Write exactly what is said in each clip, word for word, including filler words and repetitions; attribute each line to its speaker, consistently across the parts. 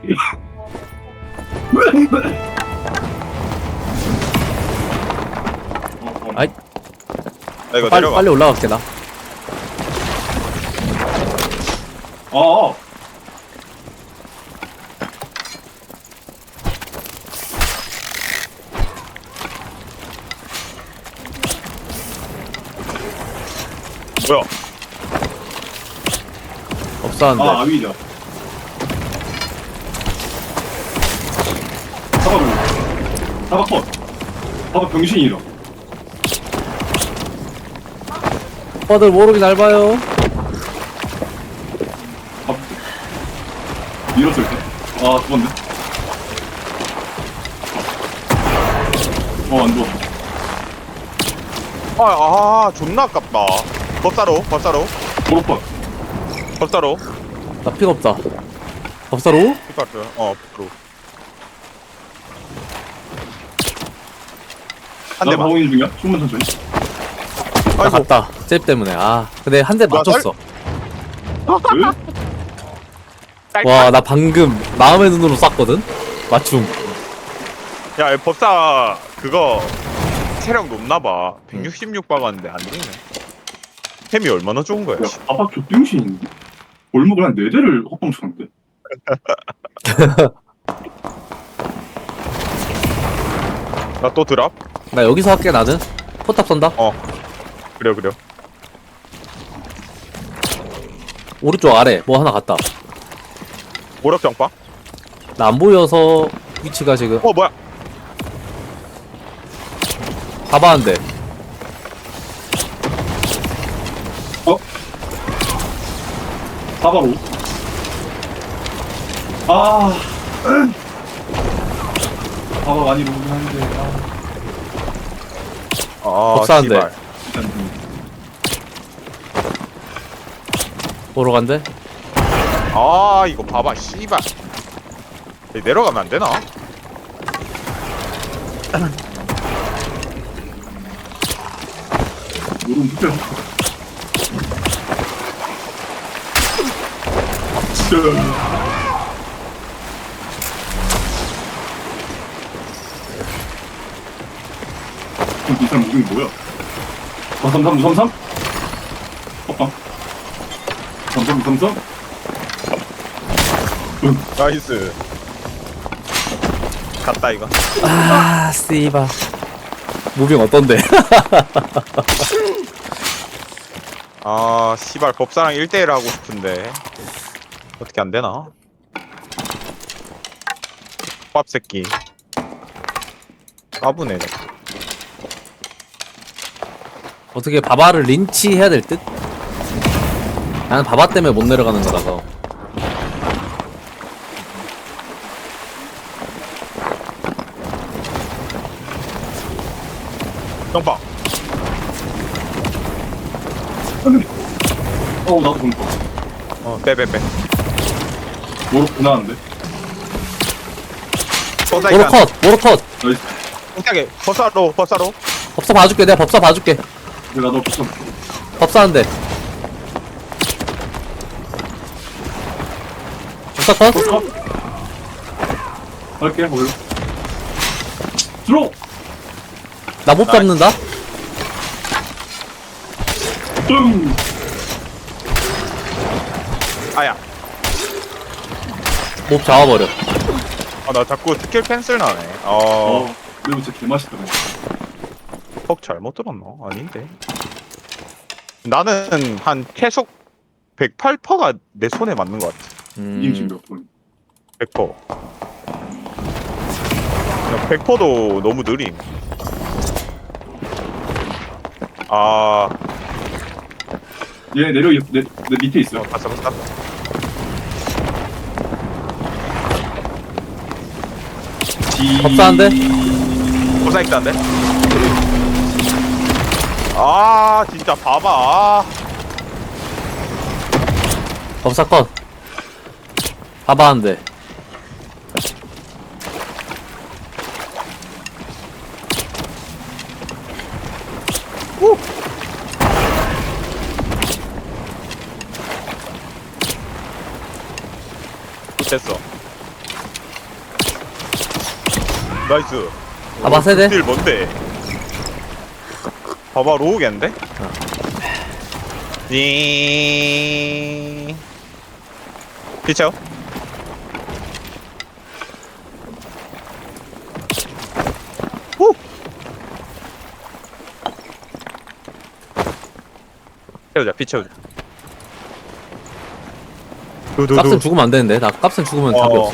Speaker 1: 아이,
Speaker 2: 나 이거
Speaker 1: 빨리
Speaker 2: 내려가.
Speaker 1: 빨리 올라갈게 나.
Speaker 3: 어.
Speaker 2: 뭐야?
Speaker 1: 없었는데.
Speaker 3: 아, 아위다. 사과 병. 사과 컷. 사과 병신이다.
Speaker 1: 오빠들 모르게 잘 봐요.
Speaker 3: 아, 밀었을 때. 아, 죽었네. 어, 안 죽었어.
Speaker 2: 아, 아, 존나 아깝다. 법사로, 법사로,
Speaker 3: 보로 컷.
Speaker 2: 법사로.
Speaker 1: 나 피가 없다. 법사로?
Speaker 2: 피카트, 어, 프로. 한
Speaker 3: 나
Speaker 2: 대만.
Speaker 3: 방어인 중이야? 숨만 천천히.
Speaker 1: 나
Speaker 2: 아이고.
Speaker 1: 갔다. 잽 때문에. 아, 근데 한 대
Speaker 2: 뭐야,
Speaker 1: 맞췄어.
Speaker 3: 왜?
Speaker 1: 와, 나 방금 마음의 눈으로 쐈거든. 맞춤.
Speaker 2: 야, 이 법사 그거 체력 높나봐. 백육십육 박았는데 안 되네. 템이 얼마나 좋은 거야?
Speaker 3: 야, 아빠 족병신인데? 골목을 한 네 대를 헛방 쳤는데?
Speaker 2: 나 또 드랍?
Speaker 1: 나 여기서 할게 나는. 포탑 쏜다.
Speaker 2: 어. 그래요, 그래요.
Speaker 1: 오른쪽 아래 뭐 하나 갔다.
Speaker 2: 오락병파?
Speaker 1: 나 안 보여서 위치가 지금
Speaker 2: 어, 뭐야?
Speaker 1: 가봐한데.
Speaker 3: 어? 사바로? 아. 사바 많이 보긴 하는데, 아.
Speaker 2: 아,
Speaker 1: 법사한데.
Speaker 2: 씨발.
Speaker 3: 일단 좀.
Speaker 1: 보러 간대.
Speaker 2: 아, 이거 봐봐, 씨발. 여기 내려가면 안 되나?
Speaker 3: 요런 특별. 진짜. 그럼 이 사람 무빙 뭐야? 삼삼삼 삼삼? 헛방. 삼삼 삼삼?
Speaker 2: 나이스. 갔다, 이거.
Speaker 1: 아, 씨바. 무빙 어떤데?
Speaker 2: 아, 씨발, 법사랑 일 대일 하고 싶은데. 어떻게 안 되나? 밥 새끼. 까부네.
Speaker 1: 어떻게 바바를 린치해야 될 듯? 나는 바바 때문에 못 내려가는 거라서.
Speaker 2: 똥빵.
Speaker 3: 어, 나도 보니까.
Speaker 2: 어, 빼, 빼, 빼.
Speaker 3: 뭐로 고나는데?
Speaker 2: 법사
Speaker 1: 모로
Speaker 2: 일단.
Speaker 1: 컷! 모로 컷!
Speaker 3: 나이스.
Speaker 2: 깜짝이야. 법사로, 법사로.
Speaker 1: 법사 봐줄게. 내가 법사 봐줄게.
Speaker 3: 내가 너 붙여.
Speaker 1: 법사 한 대. 법사 컷?
Speaker 3: 붙여. 할게, 걸로. 들어!
Speaker 1: 나 못 잡는다?
Speaker 3: 뚱!
Speaker 2: 아야.
Speaker 1: 못 잡아버려.
Speaker 2: 아, 나 자꾸 스킬 캔슬 나네. 어,
Speaker 3: 어, 이거 진짜 개맛있더라.
Speaker 2: 퍽 잘못 들었나? 아닌데. 나는 한 계속 백팔 퍼센트가 내 손에 맞는 것 같아.
Speaker 3: 이김치
Speaker 1: 음,
Speaker 3: 몇 번.
Speaker 2: 백 퍼센트. 백 퍼센트도 너무 느림. 아,
Speaker 3: 얘 내려, 내, 내 밑에 있어.
Speaker 2: 어, 봤어, 봤어.
Speaker 3: 지...
Speaker 1: 법사한데?
Speaker 2: 고사 있다는데? 아, 진짜 봐봐. 아,
Speaker 1: 법사 컷. 바바 한 대.
Speaker 2: 우! 됐어. 나이스.
Speaker 1: 봐봐, 세대.
Speaker 2: 딜 뭔데? 봐봐, 로우겠는데?
Speaker 1: 어.
Speaker 2: 띵. 피쳐. 후. 채우자, 피 채우자.
Speaker 1: 값은 죽으면 안 되는데. 나 값은 죽으면 답이
Speaker 2: 어.
Speaker 1: 없어.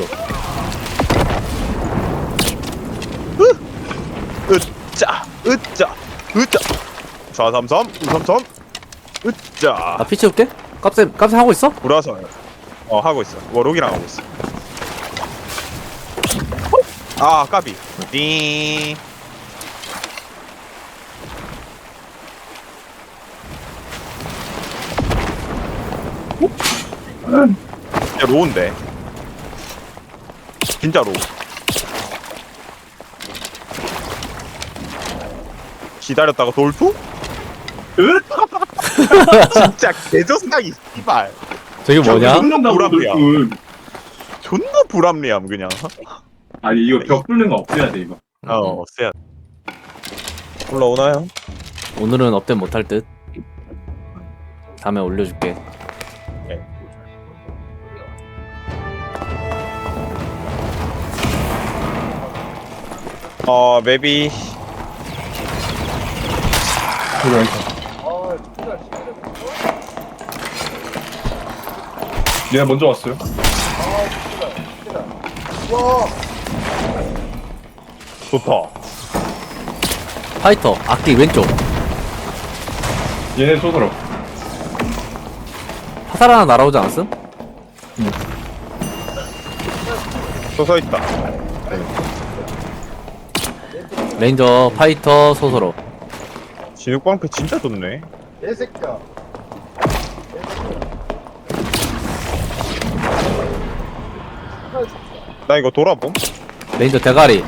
Speaker 2: 으짜, 으짜, 으짜. 사삼삼, 우삼삼, 으짜.
Speaker 1: 나 피 채울게. 값은 값은 하고 있어?
Speaker 2: 돌아서. 어, 하고 있어. 워록이랑 하고 있어. 아, 까비. 띵. 진짜 로우인데. 진짜 로우. 기다렸다가 돌투?
Speaker 3: 으?
Speaker 2: 진짜 개조상이 씨발.
Speaker 1: 저게 뭐냐?
Speaker 3: 뚫는다고
Speaker 2: 불합리야.
Speaker 3: 돌군.
Speaker 2: 존나 불합리함 그냥.
Speaker 3: 아니 이거 벽 뚫는 거 없애야 돼 이거.
Speaker 2: 어, 쎄야. 올라오나요?
Speaker 1: 오늘은 업데이트 못할 듯. 다음에 올려줄게.
Speaker 2: 어, 맵이
Speaker 3: 얘 먼저 왔어요.
Speaker 2: 좋다.
Speaker 1: 파이터 악기 왼쪽.
Speaker 3: 얘네 쏘더라.
Speaker 1: 화살 하나 날아오지 않았음?
Speaker 2: 서 있다.
Speaker 1: 레인저, 파이터, 소서로.
Speaker 2: 진흙방패 진짜 좋네.
Speaker 4: 개새끼야.
Speaker 2: 나 이거 돌아봄.
Speaker 1: 레인저 대가리.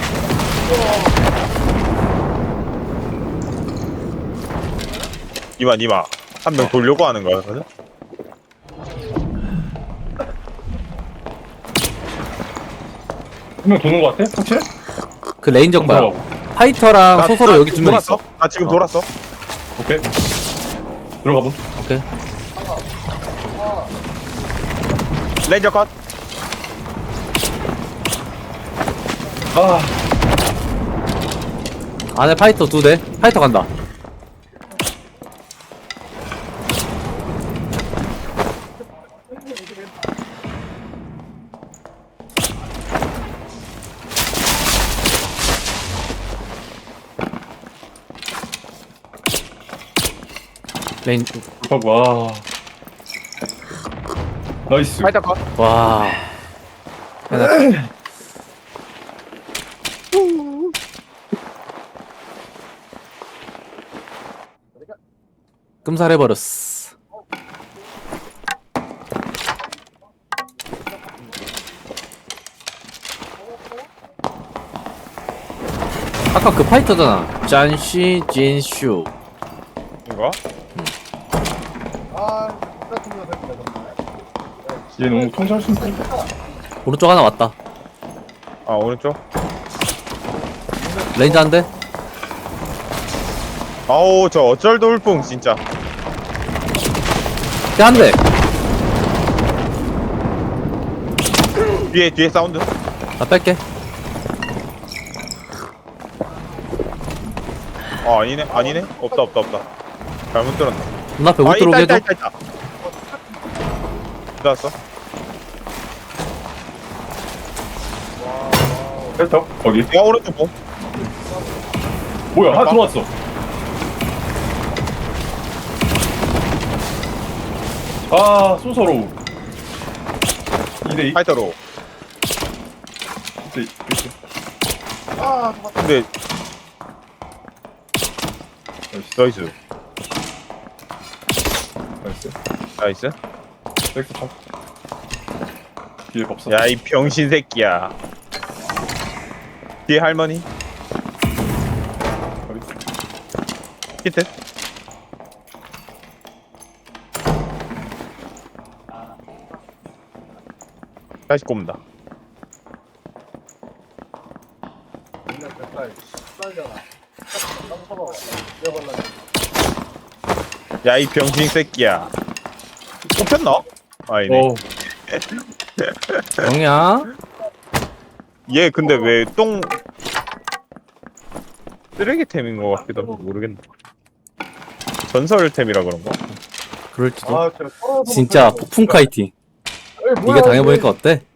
Speaker 2: 이마 이마. 한 명 돌려고 하는 거야, 맞아?
Speaker 3: 한 명 도는 거 같아? 확실해?
Speaker 1: 그 레인저 거야.
Speaker 3: 들어가고.
Speaker 1: 파이터랑 소서로 여기 두 명
Speaker 2: 돌았어.
Speaker 1: 있어.
Speaker 2: 나 지금
Speaker 1: 어.
Speaker 2: 돌았어.
Speaker 3: 오케이. 들어가 보.
Speaker 1: 오케이.
Speaker 2: 레인저 컷.
Speaker 3: 아,
Speaker 1: 안에 파이터 두 대. 파이터 간다. 레인
Speaker 3: 하고 와. 나이스.
Speaker 2: 파이터 컷.
Speaker 1: 와. 하나. 끔살해버렸어. 아까 그 파이터잖아. 짠시 진슈.
Speaker 2: 이거?
Speaker 4: 아, 똑같은 거 새끼야, 정말.
Speaker 3: 얘 너무 통제할 수 있어.
Speaker 1: 오른쪽 하나 왔다.
Speaker 2: 아, 오른쪽.
Speaker 1: 레인저 한 대.
Speaker 2: 아우, 저 어쩔 돌풍 진짜.
Speaker 1: 한 대.
Speaker 2: 뒤에 뒤에 사운드.
Speaker 1: 나 뺄게.
Speaker 2: 아, 아니네. 아니네. 없다 없다 없다. 잘못 들었네.
Speaker 1: 눈앞에 못
Speaker 2: 아,
Speaker 1: 들어오게
Speaker 2: 있다
Speaker 1: 해줘.
Speaker 2: 있다 있다 있다. 들어왔어.
Speaker 3: 헬터? 거기.
Speaker 2: 야, 오른쪽 봄.
Speaker 3: 뭐야? 하나 들어왔어. 아, 소서로. 이 대 이.
Speaker 2: 파이터로.
Speaker 3: 이 대 이.
Speaker 4: 아, 잠깐만.
Speaker 2: 근데
Speaker 3: 나이스.
Speaker 2: 나이스.
Speaker 3: 나이스.
Speaker 2: 나이스.
Speaker 3: 넥스 탑. 뒤에 법사.
Speaker 2: 야, 이 병신 새끼야. 뒤에 할머니. 히트. 다시 꼽는다.
Speaker 4: 빨잖아. 땀 서봐. 내가 발라.
Speaker 2: 야 이 병신 새끼야. 뽑혔나? 아니네.
Speaker 3: 어.
Speaker 1: 영이야?
Speaker 2: 얘 근데 왜 똥 쓰레기템인 것 같기도 하고 모르겠네. 전설템이라 그런가?
Speaker 1: 그럴지도.
Speaker 4: 아, 진짜 서러워서
Speaker 1: 진짜
Speaker 4: 못하겠어.
Speaker 1: 폭풍 카이팅.
Speaker 4: 에이, 뭐야,
Speaker 1: 네가 당해보니까
Speaker 4: 이게.
Speaker 1: 어때?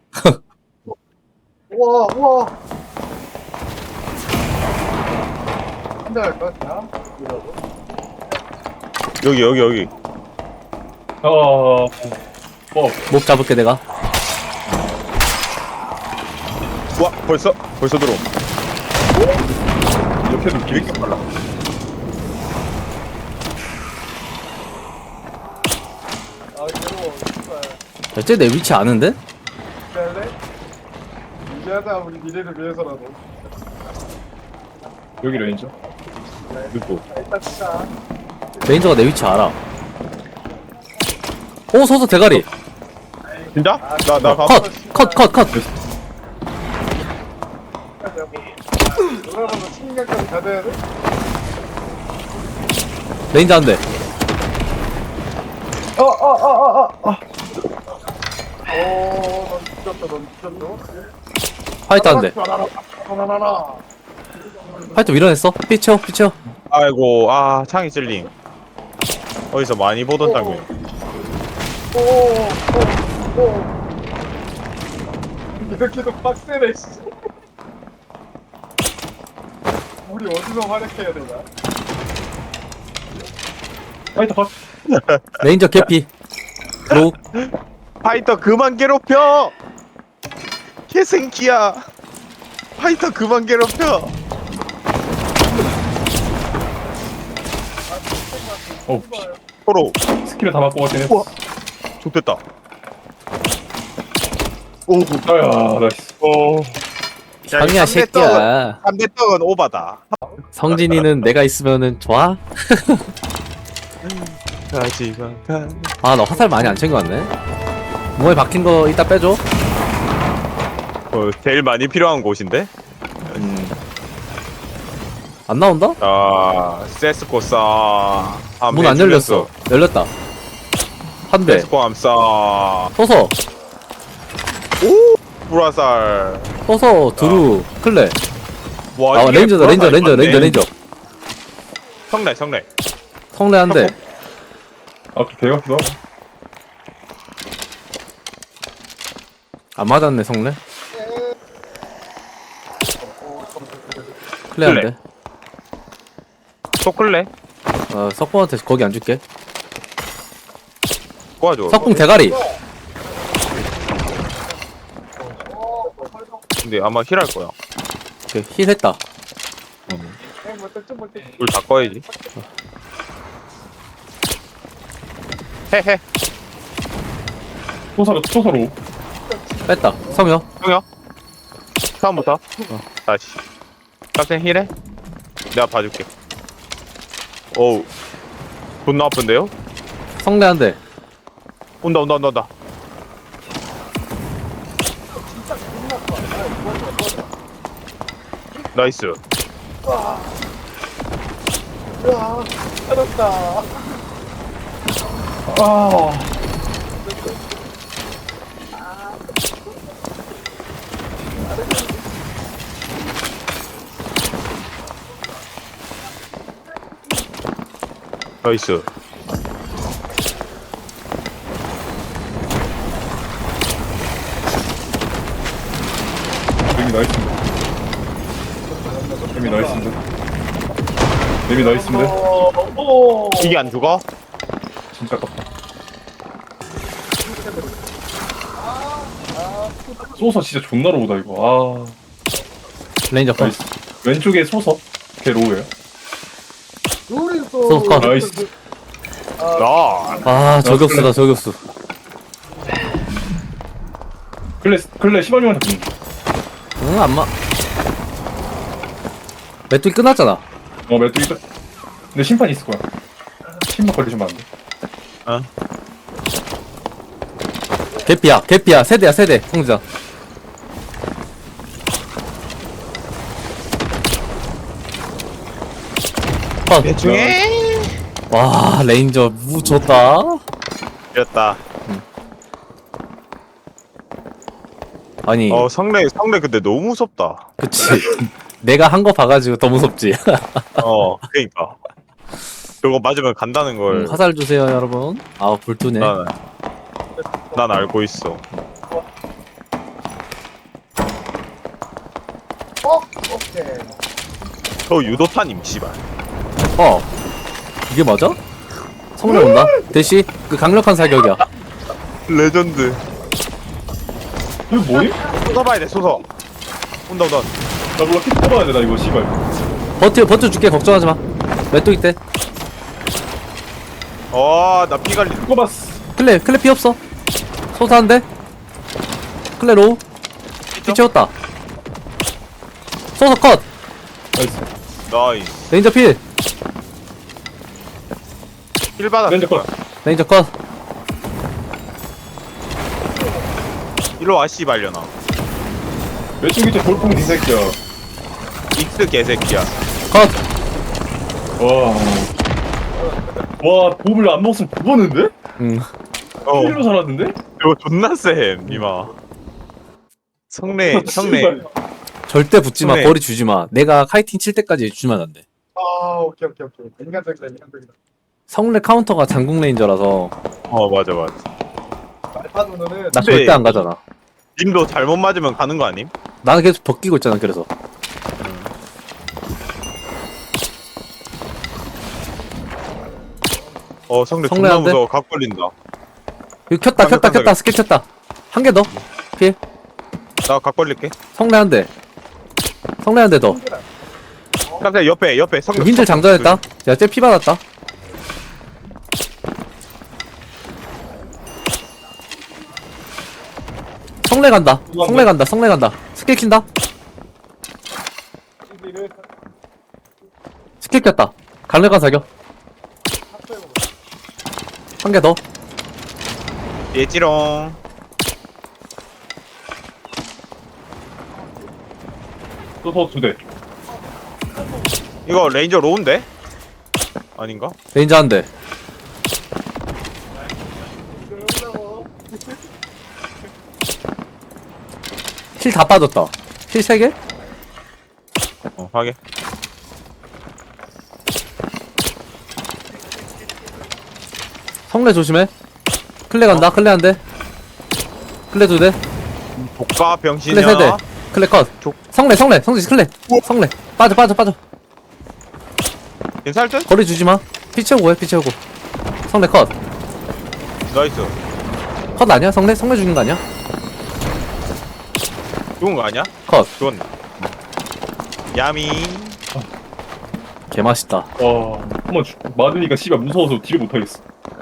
Speaker 4: 우와, 우와. 한대 할까, 그냥? 이러고.
Speaker 2: 여기 여기 여기.
Speaker 3: 어. 뭐
Speaker 1: 목 잡을게 내가.
Speaker 2: 와 벌써 벌써 들어.
Speaker 3: 이렇게도
Speaker 2: 왜 이렇게 빨라?
Speaker 4: 아, 괴로워. 진짜.
Speaker 1: 대체 내 위치 아는데?
Speaker 4: 이제 할래? 이제 하자, 우리 미래를 위해서라도.
Speaker 3: 여기 레인저.
Speaker 2: 누구?
Speaker 4: 자, 일단 진짜.
Speaker 1: 레인저가 내 위치 알아. 오 서서 대가리.
Speaker 2: 진짜? 나나 가.
Speaker 1: 컷! 컷! 컷! 컷!
Speaker 4: 놀아봐서 친구까지 가져야 돼?
Speaker 1: 레인저 한 대.
Speaker 4: 어, 어, 어, 어, 어, 어. 오, 넌 죽였다, 넌 죽였어.
Speaker 1: 화이트 한 대.
Speaker 4: 하나하나.
Speaker 1: 화이트 밀어냈어. 피쳐 피쳐.
Speaker 2: 아이고 아 창이 찔림. 어디서 많이 보던 장면.
Speaker 4: 오, 오, 오. 이렇게도 빡세네, 씨. 우리 어디서 활약해야 되나?
Speaker 3: 파이터 컷.
Speaker 1: 레인저 개피. 로우.
Speaker 2: 파이터 그만 괴롭혀. 개생기야. 파이터 그만 괴롭혀.
Speaker 3: 어.
Speaker 2: 서로
Speaker 3: 스킬을 다 맞고 갔더니.
Speaker 2: 우와. 좋됐다. 오,
Speaker 3: 아야 나이스.
Speaker 2: 오.
Speaker 1: 상이야 새끼야.
Speaker 2: 삼대 떡은 오바다.
Speaker 1: 성진이는 내가 있으면은 좋아?
Speaker 2: 가지가 가.
Speaker 1: 아 나 화살 많이 안 챙겨왔네. 몸에 박힌 거 이따 빼줘.
Speaker 2: 어, 제일 많이 필요한 곳인데.
Speaker 1: 음. 안 나온다?
Speaker 2: 아, 세스코사.
Speaker 1: 문 안 열렸어. 열렸다. 한 대.
Speaker 2: 세스코 암사.
Speaker 1: 서서
Speaker 2: 오, 브라살.
Speaker 1: 서서 드루 클레.
Speaker 2: 와,
Speaker 1: 아
Speaker 2: 이게
Speaker 1: 레인저다 레인저
Speaker 2: 브라살이
Speaker 1: 레인저
Speaker 2: 맞네.
Speaker 1: 레인저 레인저.
Speaker 2: 성래, 성래.
Speaker 1: 성래 한 대.
Speaker 3: 아 개같기도 하고.
Speaker 1: 안 맞았네 성래. 클레 한
Speaker 2: 클레.
Speaker 1: 대.
Speaker 2: 소클레.
Speaker 1: 어 석봉한테 거기 안 줄게.
Speaker 2: 도와줘.
Speaker 1: 석봉 대가리.
Speaker 2: 근데 아마 힐할 거야.
Speaker 1: 오케이, 힐 했다.
Speaker 2: 불 다 꺼야지. 헤헤.
Speaker 3: 소사로 소사로.
Speaker 1: 뺐다. 성여.
Speaker 2: 형이야. 처음부터. 다시. 깜짝 힐해. 내가 봐줄게. 어우. 존나 아픈데요?
Speaker 1: 성래 한 대.
Speaker 2: 온다, 온다, 온다, 온다. 나이스.
Speaker 4: 야, 살았다.
Speaker 3: 아.
Speaker 2: 나이스.
Speaker 3: 데미 나이스인데. 데미 나이스인데. 데미 나이스인데.
Speaker 4: 어, 오.
Speaker 2: 이게 안 죽어?
Speaker 3: 진짜 깝다. 소서 진짜 존나 로우다 이거.
Speaker 1: 레인저
Speaker 3: 아
Speaker 1: 컷.
Speaker 3: 나이스. 왼쪽에 소서. 걔 로우예요.
Speaker 4: 우리
Speaker 1: 소스
Speaker 4: 또.
Speaker 1: 컷.
Speaker 3: 나이스.
Speaker 2: 나.
Speaker 1: 아 저격수다 저격수.
Speaker 3: 클레 클레 시발님한테 붙는.
Speaker 1: 응 안마. 메뚜기 끝났잖아.
Speaker 3: 어 매도 이거. 근데 심판 있을 거야. 심판 걸리시면 안 돼.
Speaker 2: 어?
Speaker 1: 개피야 개피야 세대야 세대 성자. 컷.
Speaker 2: 대충해.
Speaker 1: 와 레인저 무 좋다.
Speaker 2: 이겼다.
Speaker 1: 아니
Speaker 2: 어 성래 성래 근데 너무 무섭다.
Speaker 1: 그치. 내가 한 거 봐가지고 더 무섭지.
Speaker 2: 어 그러니까. 저거 맞으면 간다는 걸.
Speaker 1: 음, 화살 주세요 여러분. 아 불투네.
Speaker 2: 난, 난 알고 있어.
Speaker 4: 어? 오케이.
Speaker 2: 저 유도탄임 씨발.
Speaker 1: 어 이게 맞아? 성래 온다. 대시 그 강력한 사격이야.
Speaker 2: 레전드.
Speaker 3: 이거 뭐임?
Speaker 2: 쏟아봐야 돼 쏟아. 온다 온다.
Speaker 3: 나 몰라 키 뽑아야 돼 나 이거 씨발.
Speaker 1: 버텨 버텨 줄게 걱정하지 마. 메뚜기 때
Speaker 2: 어나 피갈리.
Speaker 3: 뽑았어.
Speaker 1: 클레 클레 피 없어. 소사한데 클레 로우 피 채웠다. 소사 컷.
Speaker 3: 나이스.
Speaker 2: 나이스.
Speaker 1: 레인저 필.
Speaker 2: 힐 받았어.
Speaker 3: 렌즈 컷.
Speaker 1: 레인저 컷.
Speaker 2: 일로 와 씨발려나.
Speaker 3: 왼쪽 밑에 볼뽕 이 새끼야.
Speaker 2: 익스 개새끼야.
Speaker 1: 컷.
Speaker 3: 와. 와 보물 안 먹었으면 죽었는데?
Speaker 1: 음.
Speaker 2: 어.
Speaker 3: 힐로 살았는데?
Speaker 2: 이거 존나 쎄 니마. 성래 성래.
Speaker 3: 씨발.
Speaker 1: 절대 붙지 마.
Speaker 2: 그래.
Speaker 1: 거리 주지 마. 내가 카이팅 칠 때까지 주면 안 돼.
Speaker 4: 아 오케이 오케이 오케이. 인간적이다 인간적이다.
Speaker 1: 성래 카운터가 장궁 레인저라서
Speaker 2: 어 맞아 맞아.
Speaker 4: 말파 누나는
Speaker 1: 나
Speaker 2: 근데-
Speaker 1: 절대 안 가잖아.
Speaker 2: 님도 잘못 맞으면 가는 거 아님?
Speaker 1: 나는 계속 벗기고 있잖아. 그래서
Speaker 2: 어 성래
Speaker 1: 성래
Speaker 2: 존나
Speaker 1: 안 돼?
Speaker 2: 무서워. 각 걸린다.
Speaker 1: 이거 켰다 켰다
Speaker 2: 깜짝깜짝이야.
Speaker 1: 켰다 스킬 켰다. 한 개 더. 필.
Speaker 2: 나 각 걸릴게.
Speaker 1: 성래 한 대. 성래 한 대 더.
Speaker 2: 깜짝 옆에 옆에 성래.
Speaker 1: 힌들 장전했다. 야, 쟤 피 받았다. 성래 간다. 성래 간다. 성래 간다. 스킬 킨다. 스킬 켰다. 강력한 사격. 한 개 더.
Speaker 2: 예지롱.
Speaker 3: 또더 두 대.
Speaker 2: 이거 레인저 로운데? 아닌가?
Speaker 1: 레인저 한 대. 힐 다 빠졌다. 힐 세 개?
Speaker 2: 어 하게.
Speaker 1: 성래 조심해. 클레 간다. 클레 한 대. 클레 두 대.
Speaker 2: 복가
Speaker 1: 클레
Speaker 2: 병신이야.
Speaker 1: 세 대. 클레 컷.
Speaker 2: 족-
Speaker 1: 성래 성래 성지 클레. 성래. 빠져 빠져 빠져.
Speaker 2: 괜찮을 듯?
Speaker 1: 거리 주지 마. 피 채우고 해. 피 채우고. 성래 컷.
Speaker 2: 나이스.
Speaker 1: 컷 아니야? 성래? 성래 죽인 거 아니야?
Speaker 2: 좋은 거 아니야?
Speaker 1: 컷.
Speaker 2: 좋았네. 야미.
Speaker 1: 개 맛있다.
Speaker 3: 와 한번 죽- 맞으니까 씨발 무서워서 딜을 못하겠어.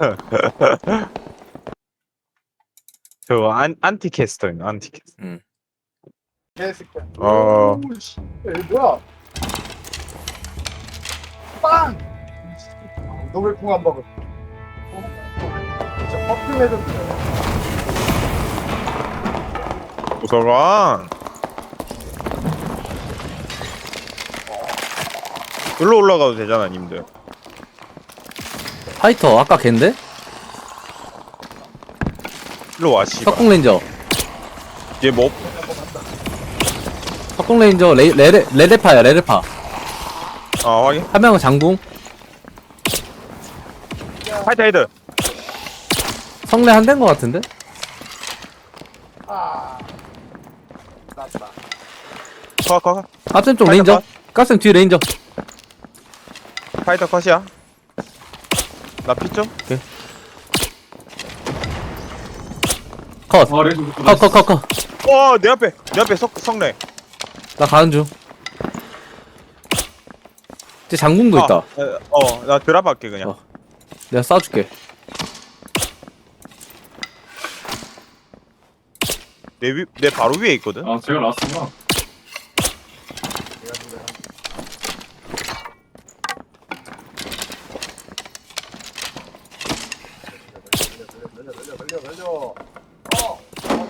Speaker 2: 저 안, 안티캐스터인 안티캐스터.
Speaker 4: 개새끼야.
Speaker 2: 어.
Speaker 4: 오우, 씨. 에이 뭐야? 빵! 너왜 궁 안 먹어? 진짜 퍼플 레전드네.
Speaker 2: 도서관. 일로 올라가도 되잖아 님들.
Speaker 1: 파이터 아까 걘데?
Speaker 2: 일로 와 씨발.
Speaker 1: 석궁 레인저.
Speaker 2: 얘 뭐?
Speaker 1: 석궁 레인저 레, 레레, 레레파야 레레파.
Speaker 2: 아 확인.
Speaker 1: 한 명은 장궁.
Speaker 2: 파이터 헤드.
Speaker 1: 성래 한 대인 거 같은데?
Speaker 4: 아. 났다.
Speaker 2: 커커.
Speaker 1: 깝셈 쪽
Speaker 2: 파이터
Speaker 1: 레인저.
Speaker 2: 컷.
Speaker 1: 깝셈 뒤 레인저.
Speaker 2: 파이터 컷이야. 나 피죠?
Speaker 1: 컷.
Speaker 3: 아 렌즈
Speaker 1: 컷 컷 컷 컷.
Speaker 2: 어내 앞에 내 앞에 석 성래.
Speaker 1: 나 가는 중. 쟤 장궁도 있다.
Speaker 2: 어나 드랍 할게 그냥.
Speaker 1: 어. 내가 쏴줄게.
Speaker 2: 내 위 내 바로 위에 있거든.
Speaker 3: 아 제가 라스구나.
Speaker 4: 날려 날려 날려 날려. 어.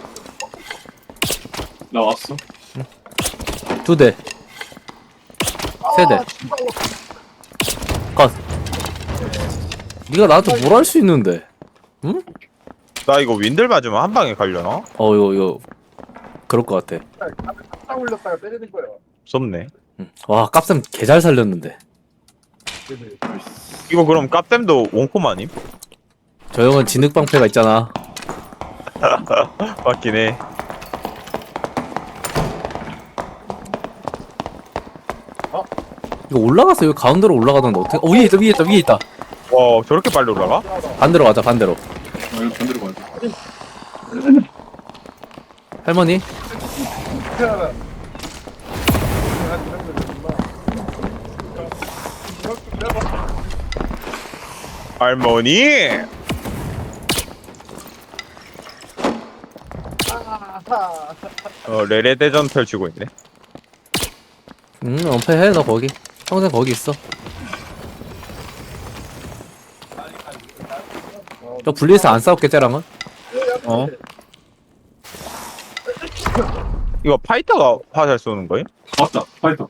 Speaker 3: 나 왔어.
Speaker 1: 두 대. 세 대.
Speaker 4: 아, 씨발로.
Speaker 1: 컷. 네가 나한테 뭘 할 수 있는데? 응?
Speaker 2: 나 이거 윈들 맞으면 한 방에 갈려나?
Speaker 1: 어 이거 이거 그럴 것 같아.
Speaker 4: 딱 올렸다가 때리는 거야.
Speaker 2: 무섭네.
Speaker 1: 응. 와 깝쌤 개 잘 살렸는데.
Speaker 4: 네네.
Speaker 2: 이거 그럼 깝댐도 원콤 아님?
Speaker 1: 저 형은 진흙방패가 있잖아.
Speaker 2: 맞긴 해.
Speaker 1: 이거 올라가서 여기 가운데로 올라가던데 어떻게? 어 위에 있다 위에 있다 위에 있다.
Speaker 2: 와 저렇게 빨리 올라가?
Speaker 1: 반대로 가자 반대로.
Speaker 3: 아 이거 반대로 가야 돼.
Speaker 1: 할머니.
Speaker 4: 태어나. 한 이런 거 되구나. 이렇게 내가
Speaker 2: 할머니!
Speaker 4: 아하.
Speaker 2: 어 레레 대전 펼치고 있네.
Speaker 1: 응 은폐해 너 거기. 평생 거기 있어. 저 분리해서 안 싸웠게 쟤랑은?
Speaker 2: 어? 이거 파이터가 화살 쏘는 거임?
Speaker 3: 맞다. 파이터.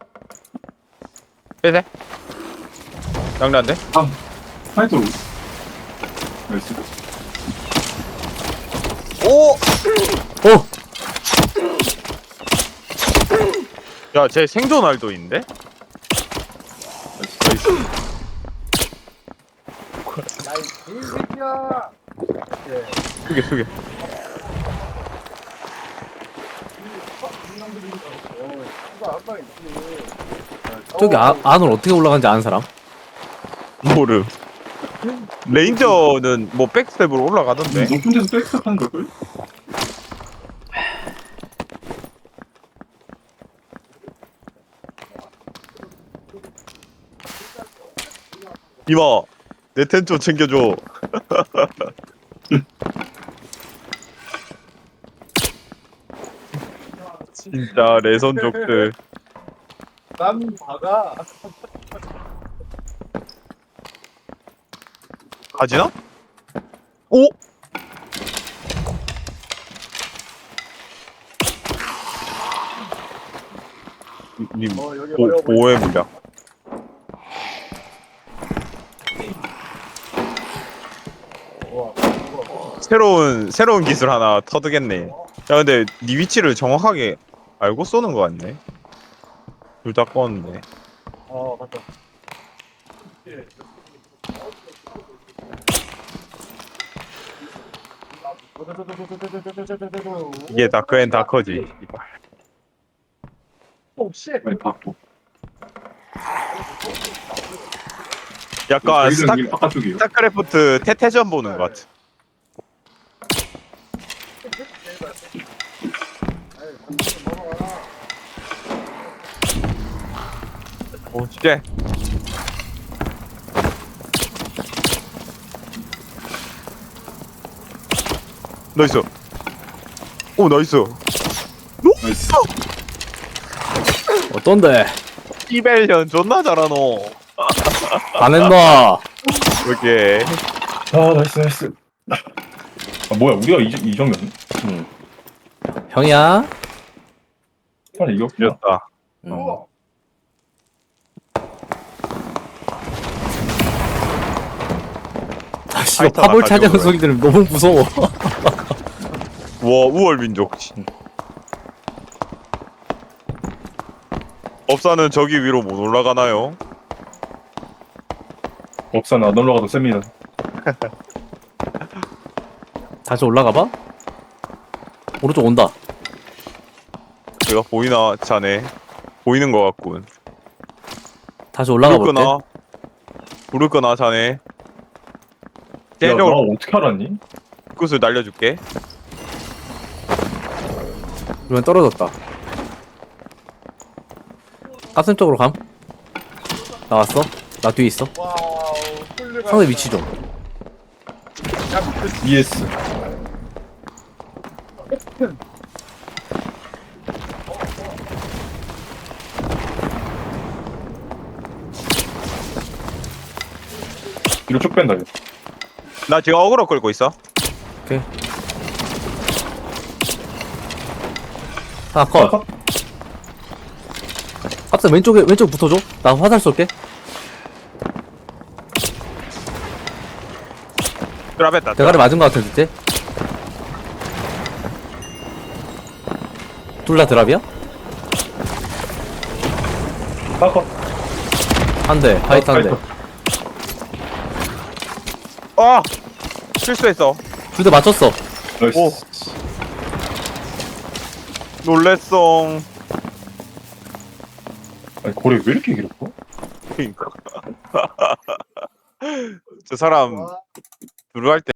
Speaker 2: 빼세. 장난데?
Speaker 3: 아 파이터. 나이스.
Speaker 2: 오!
Speaker 1: 어!
Speaker 2: 야, 쟤 생존 알도인데?
Speaker 3: 나이스.
Speaker 4: 야이 개새끼야. 예.
Speaker 2: 수게, 수게.
Speaker 4: 어, 이거 한 방에 있지.
Speaker 1: 저기 아, 안으로 어떻게 올라가는지 아는 사람?
Speaker 2: 모름. 레인저는 뭐 백스텝으로 올라가던데.
Speaker 3: 높은 데서 백스텝 하는 걸걸?
Speaker 2: 이마, 내 텐 좀 챙겨줘. 진짜 레선족들.
Speaker 4: 난 박아.
Speaker 2: 가지나? 오! 님,
Speaker 4: 어, 여기
Speaker 2: 보,
Speaker 4: 어려워 보인다.
Speaker 2: 보호의 물약.
Speaker 4: 우와, 우와.
Speaker 2: 새로운, 새로운 기술 하나 터득했네. 야, 근데 네 위치를 정확하게 알고 쏘는 거 같네. 둘 다 껐는데.
Speaker 4: 어, 맞다.
Speaker 2: 이게 다크앤 다커지.
Speaker 4: 오, 씨.
Speaker 3: 빨리 받고.
Speaker 2: 약간 스타,
Speaker 3: 여기는 바깥쪽이에요.
Speaker 2: 스타크래프트 태태전 보는 것 같아. 오, 쉣. 나이스. 오, 나이스.
Speaker 3: 나이스.
Speaker 1: 어떤데?
Speaker 2: 이벨련 존나 잘하노.
Speaker 1: 반했나?
Speaker 2: 이렇게.
Speaker 3: 아 나이스 나이스. 아 뭐야 우리가 이, 이 정도였네?
Speaker 1: 응. 형이야?
Speaker 3: 빨리 이겼구나.
Speaker 2: 이겼다.
Speaker 1: 응.
Speaker 4: 우와.
Speaker 1: 아, 씨,
Speaker 2: 파이터가
Speaker 1: 파볼
Speaker 2: 가져온
Speaker 1: 차지하는
Speaker 2: 거야.
Speaker 1: 소리 들으면 너무 무서워.
Speaker 2: 와, 우월민족. 법사는 저기 위로 못 올라가나요?
Speaker 3: 법사 안 올라가도 셉니다.
Speaker 1: 다시 올라가봐? 오른쪽 온다.
Speaker 2: 내가 보이나, 자네? 보이는 것 같군.
Speaker 1: 다시 올라가
Speaker 2: 부를
Speaker 1: 볼게.
Speaker 2: 거나? 부를 거나, 자네?
Speaker 3: 야나
Speaker 2: 쟤로
Speaker 3: 어떻게 알았니?
Speaker 2: 끝을 날려줄게.
Speaker 1: 그러면 떨어졌다. 가슴 쪽으로 감. 나왔어? 나 뒤에 있어.
Speaker 4: 와우, 훌륭하다.
Speaker 1: 상대 위치 좀.
Speaker 4: 야, 그
Speaker 3: 이에스. 뒤로 쭉 뺀다 이거.
Speaker 2: 나 지금 어그로 끌고 있어.
Speaker 1: 오케이. 하나 컷. 깝스 왼쪽에 왼쪽 붙어줘. 나 화살 쏠게.
Speaker 2: 드랍했다.
Speaker 1: 대가리 맞은 거 같아 진짜. 둘 다 드랍이야?
Speaker 3: 파커.
Speaker 1: 한 대, 화이트 한 대.
Speaker 2: 아 실수했어.
Speaker 1: 둘 다 맞췄어.
Speaker 3: 나이스.
Speaker 2: 오. 놀랬어.
Speaker 3: 아니 고래 왜 이렇게 길었어?
Speaker 2: 그러니까. 저 사람
Speaker 4: 와.
Speaker 2: 들어갈 때